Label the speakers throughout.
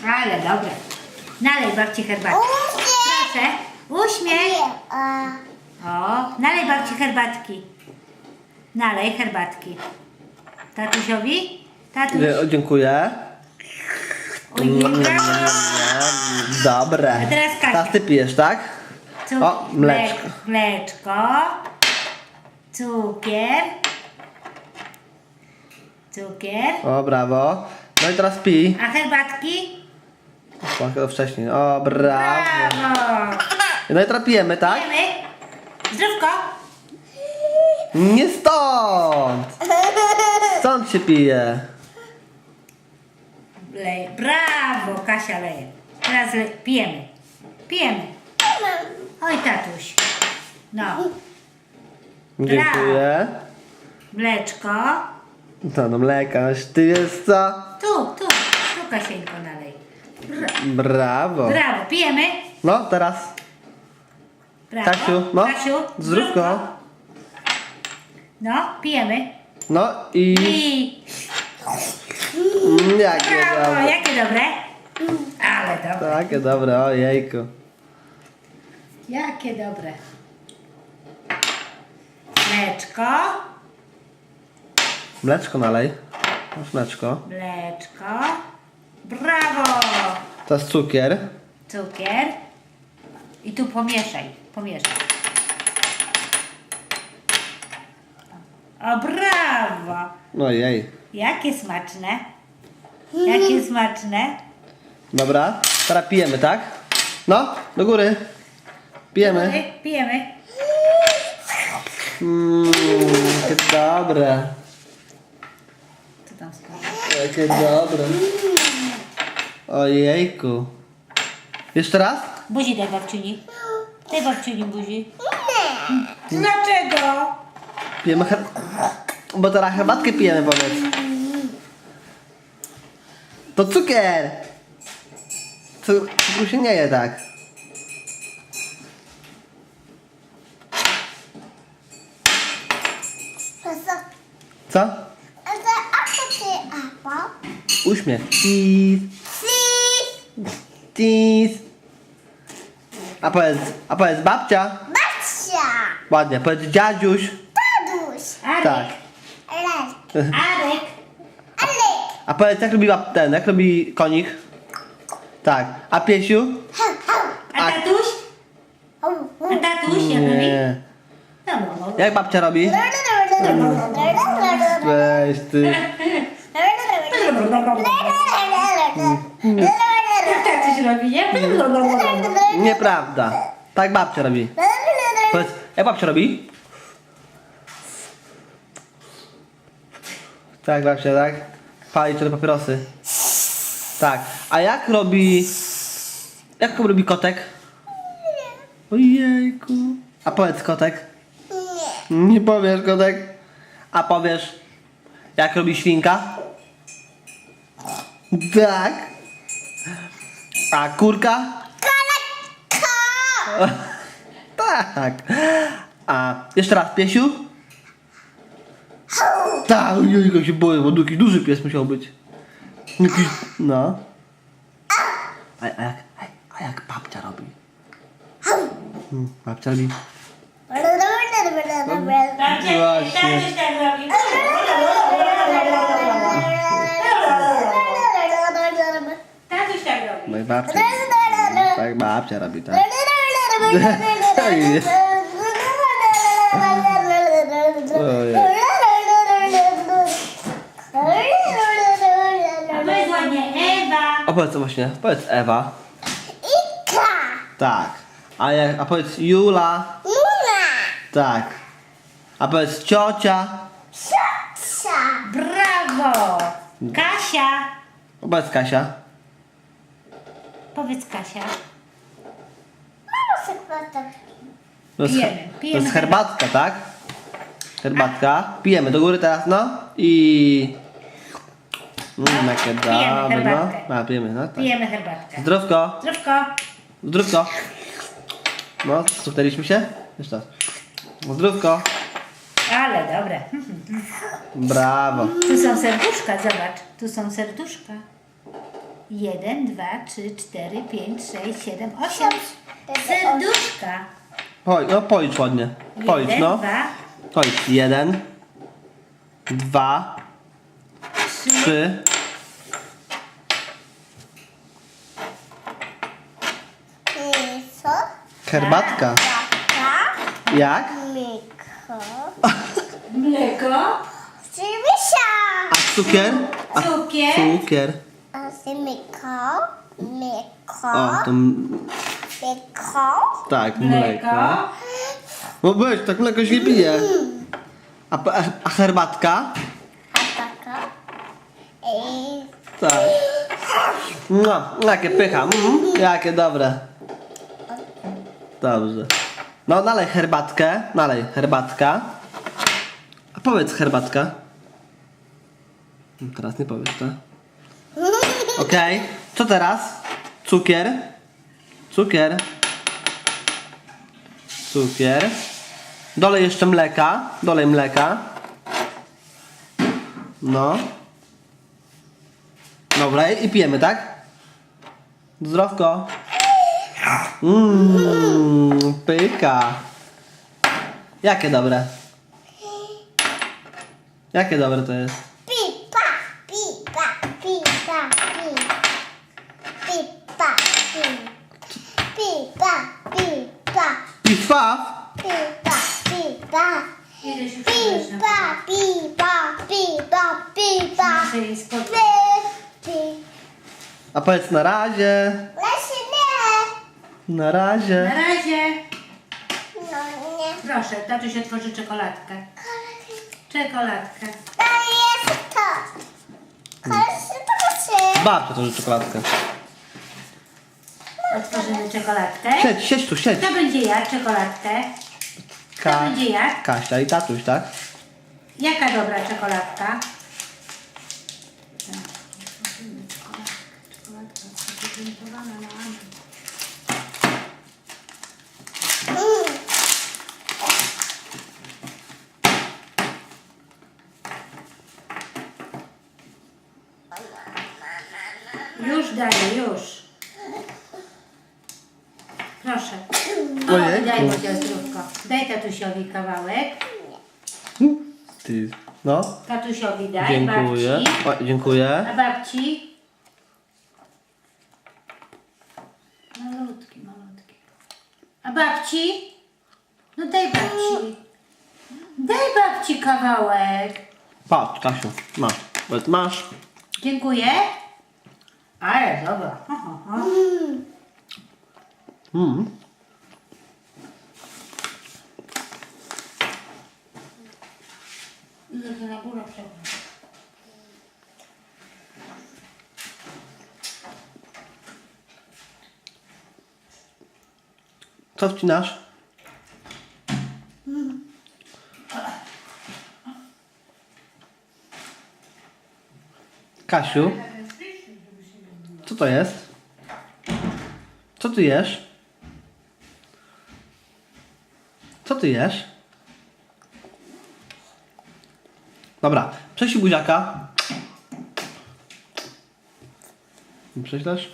Speaker 1: Ale dobre. Nalej babci herbatkę. Proszę. Uśmiech. O, nalej babci herbatki. Nalej herbatki. Tatusiowi? Tatuś.
Speaker 2: Dziękuję.
Speaker 1: Ojej, brawo.
Speaker 2: Dobre.
Speaker 1: A teraz Kasia.
Speaker 2: Teraz ty pijesz, tak? O, mleczko.
Speaker 1: Mleczko. Cukier. Cukier.
Speaker 2: O, brawo. No i teraz pij.
Speaker 1: A herbatki?
Speaker 2: To wcześniej. O, brawo.
Speaker 1: Brawo.
Speaker 2: No i teraz pijemy, tak?
Speaker 1: Pijemy. Zdrówko.
Speaker 2: Nie stąd! Stąd się pije.
Speaker 1: Leje. Brawo, Kasia leje. Teraz pijemy. Pijemy. Oj, tatuś. No.
Speaker 2: Dziękuję.
Speaker 1: Mleczko.
Speaker 2: No mleka, ty jest co?
Speaker 1: Tu Kasieńko nalej.
Speaker 2: Brawo.
Speaker 1: Brawo, pijemy.
Speaker 2: No, teraz.
Speaker 1: Brawo.
Speaker 2: Kasiu, no.
Speaker 1: Kasiu,
Speaker 2: Zdrówko.
Speaker 1: No, pijemy.
Speaker 2: No i... Jakie
Speaker 1: Brawo,
Speaker 2: dobre.
Speaker 1: jakie dobre. Ale dobre.
Speaker 2: Takie dobre, ojejku.
Speaker 1: Jakie dobre. Mleczko.
Speaker 2: Mleczko nalej. Masz mleczko.
Speaker 1: Mleczko. Brawo.
Speaker 2: To jest cukier.
Speaker 1: Cukier. I tu pomieszaj. Pomieszaj. O, brawo.
Speaker 2: Ojej.
Speaker 1: Jakie smaczne. Jakie smaczne.
Speaker 2: Dobra, teraz pijemy, tak? No, do góry. Pijemy.
Speaker 1: Pijemy.
Speaker 2: Jakie dobre.
Speaker 1: Co tam skończy?
Speaker 2: Jakie dobre. Ojejku. Jeszcze raz?
Speaker 1: Buzi daj babciuni. Daj babciuni buzi. Dlaczego?
Speaker 2: Pijemy Bo teraz herbatkę pijemy, powiedz. To cukier. Cukru się nie je tak. Co? Uśmiech. Cheese. A powiedz babcia. Ładnie. Powiedz dziadziuś.
Speaker 1: Arek.
Speaker 2: Tak.
Speaker 1: Arek.
Speaker 2: A powiedz jak robi konik? Tak. A piesiu?
Speaker 1: A tatuś? A tatuś jak robi?
Speaker 2: Nie.
Speaker 1: No.
Speaker 2: Jak babcia robi? Weź ty.
Speaker 1: Tak coś robi, nie?
Speaker 2: Nieprawda. Tak babcia robi. Powiedz, jak babcia robi? Tak babcia, tak? Pali cztery papierosy. Tak. A jak robi kotek? Ojejku. A powiedz kotek. Nie powiesz kotek. A powiesz jak robi świnka? Tak. A kurka? Tak. A jeszcze raz piesiu? Tak, ojej, się boję, bo taki duży pies musiał być. Jakiś, no. A jak babcia robi? Babcia robi.
Speaker 1: Tatuś tak robi. Tatuś tak robi.
Speaker 2: No i babcia. Tak babcia robi, tak. Ojej.
Speaker 1: A to jest ładnie Ewa.
Speaker 2: A powiedz co właśnie, powiedz Ewa. Tak. A powiedz Jula. Tak. A powiedz ciocia.
Speaker 1: Brawo. Kasia.
Speaker 2: A powiedz Kasia.
Speaker 1: Powiedz Kasia.
Speaker 2: To jest,
Speaker 1: Pijemy,
Speaker 2: to
Speaker 1: pijemy
Speaker 2: jest herbatka, tak? Herbatka. Pijemy do góry teraz, no. I... jakie dobre,
Speaker 1: herbatkę.
Speaker 2: no. A, pijemy, no. Tak.
Speaker 1: Pijemy herbatkę.
Speaker 2: Zdrówko.
Speaker 1: Zdrówko.
Speaker 2: Zdrówko. No, stuknęliśmy się? Jeszcze raz. Zdrówko.
Speaker 1: Ale dobre.
Speaker 2: Brawo.
Speaker 1: Tu są serduszka, zobacz. Tu są serduszka. 1, 2, 3, 4, 5, 6, 7, 8. Serduszka.
Speaker 2: No policz ładnie. Policz,
Speaker 1: 1,
Speaker 2: no.
Speaker 1: 2,
Speaker 2: Policz. 1, 2,
Speaker 1: 3,
Speaker 2: 3. Herbatka. Jak?
Speaker 1: mleko,
Speaker 2: A cukier? A
Speaker 1: cukier,
Speaker 2: cukier. O, to tak, mleko.
Speaker 1: mleko,
Speaker 2: No weź, tak mleko się pije. A herbatka? Tak. No, jakie pycha. Jakie dobre. Dobrze. No, nalej herbatkę. Nalej, herbatka. A powiedz herbatka. Teraz nie powiesz, tak? Okej. Co teraz? Cukier. Cukier. Cukier. Dolej jeszcze mleka. Dolej mleka. No. Dobra, i pijemy, tak? Zdrowko. Pyka. Jakie dobre? Jakie dobre to jest? Pif paf?
Speaker 1: ileś już muszę jej spotkać.
Speaker 2: A powiedz na razie. Na razie.
Speaker 1: Na razie. Proszę, tatuś otworzy czekoladkę. Czekoladkę.
Speaker 2: Babcia to czekoladkę.
Speaker 1: Otworzymy czekoladkę.
Speaker 2: Siedź, siedź tu, siedź.
Speaker 1: Kto będzie jadł czekoladkę? Kto będzie jadł?
Speaker 2: Kasia i tatuś, tak?
Speaker 1: Jaka dobra czekoladka? Czekoladka prezentowana na Andrzej. Już daję, już. Proszę.
Speaker 2: Ojejku.
Speaker 1: Daj mu zdrówko. Daj tatusiowi kawałek.
Speaker 2: Ty. No.
Speaker 1: Tatusiowi daj,
Speaker 2: Dziękuję.
Speaker 1: babci.
Speaker 2: O, dziękuję.
Speaker 1: A babci? Malutki, malutki. A babci? No daj babci. Daj babci kawałek.
Speaker 2: Patrz, Kasiu, masz. Powiedz, masz.
Speaker 1: Dziękuję. Ale dobra. Ho, ho, ho. Idę tu na górę przechodzę.
Speaker 2: Co wcinasz? Kasiu? Co to jest? Co ty jesz? Co ty jesz? Dobra, prześlij buziaka. Nie prześlesz?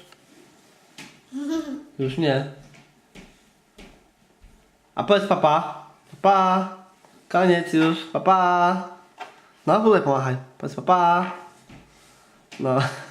Speaker 2: Już nie. A powiedz papa. Papa. Koniec już. Papa. No, tutaj pomachaj. Powiedz papa. No.